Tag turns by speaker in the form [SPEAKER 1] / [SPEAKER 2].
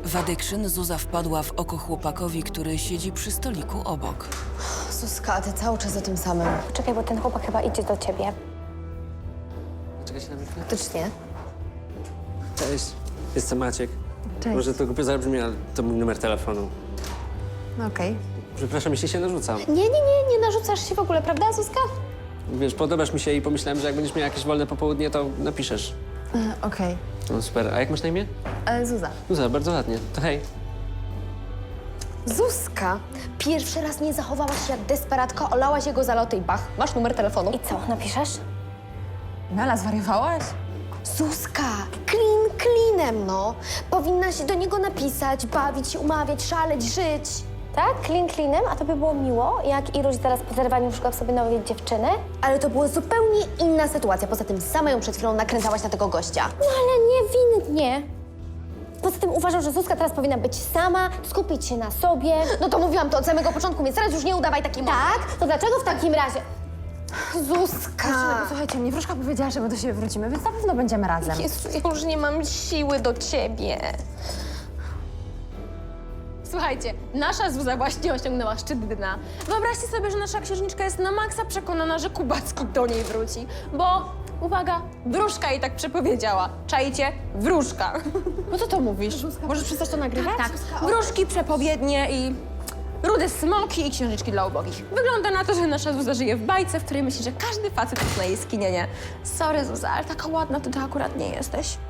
[SPEAKER 1] W Addiction Zuza wpadła w oko chłopakowi, który siedzi przy stoliku obok.
[SPEAKER 2] Zuzka, ty cały czas o tym samym.
[SPEAKER 3] Poczekaj, bo ten chłopak chyba idzie do ciebie.
[SPEAKER 4] Czekajcie na mnie chwilę.
[SPEAKER 2] Faktycznie.
[SPEAKER 4] Cześć, jestem Maciek.
[SPEAKER 2] Cześć.
[SPEAKER 4] Może to głupio zabrzmi, ale to mój numer telefonu.
[SPEAKER 2] No okej.
[SPEAKER 4] Przepraszam, jeśli się narzucam.
[SPEAKER 3] Nie narzucasz się w ogóle, prawda, Zuzka?
[SPEAKER 4] Wiesz, podobasz mi się i pomyślałem, że jak będziesz miał jakieś wolne popołudnie, to napiszesz.
[SPEAKER 2] Okej.
[SPEAKER 4] No super. A jak masz na imię?
[SPEAKER 2] Zuza.
[SPEAKER 4] Zuza, bardzo ładnie. To hej.
[SPEAKER 5] Zuzka, pierwszy raz nie zachowałaś się jak desperatka, olałaś jego zaloty i bach, masz numer telefonu.
[SPEAKER 3] I co, napiszesz?
[SPEAKER 2] Mela, zwariowałaś?
[SPEAKER 5] Zuzka, klin klinem, no. Powinnaś do niego napisać, bawić się, umawiać, szaleć, żyć.
[SPEAKER 3] Tak? Klinem? A to by było miło, jak Iruś zaraz po zerwaniu szukał sobie nowej dziewczyny?
[SPEAKER 5] Ale to była zupełnie inna sytuacja. Poza tym sama ją przed chwilą nakręcałaś na tego gościa.
[SPEAKER 3] No ale niewinnie. Poza tym uważam, że Zuzka teraz powinna być sama, skupić się na sobie.
[SPEAKER 5] No to mówiłam to od samego początku, więc teraz już nie udawaj takiej mowy.
[SPEAKER 3] Tak? To dlaczego w takim razie?
[SPEAKER 5] Zuzka!
[SPEAKER 2] Słuchajcie, mnie wróżka powiedziała, że my do siebie wrócimy, więc na pewno będziemy razem.
[SPEAKER 5] Jezu, ja już nie mam siły do ciebie.
[SPEAKER 6] Słuchajcie, nasza Zuza właśnie osiągnęła szczyt dna. Wyobraźcie sobie, że nasza księżniczka jest na maksa przekonana, że Kubacki do niej wróci. Bo, uwaga, wróżka jej tak przepowiedziała. Czajcie? Wróżka. No co to mówisz? Możesz przestać to nagrywać? Tak. Wróżki, przepowiednie i rude smoki i księżniczki dla ubogich. Wygląda na to, że nasza Zuza żyje w bajce, w której myśli, że każdy facet jest na jej skinienie. Sorry, Zuza, ale taka ładna to ty akurat nie jesteś.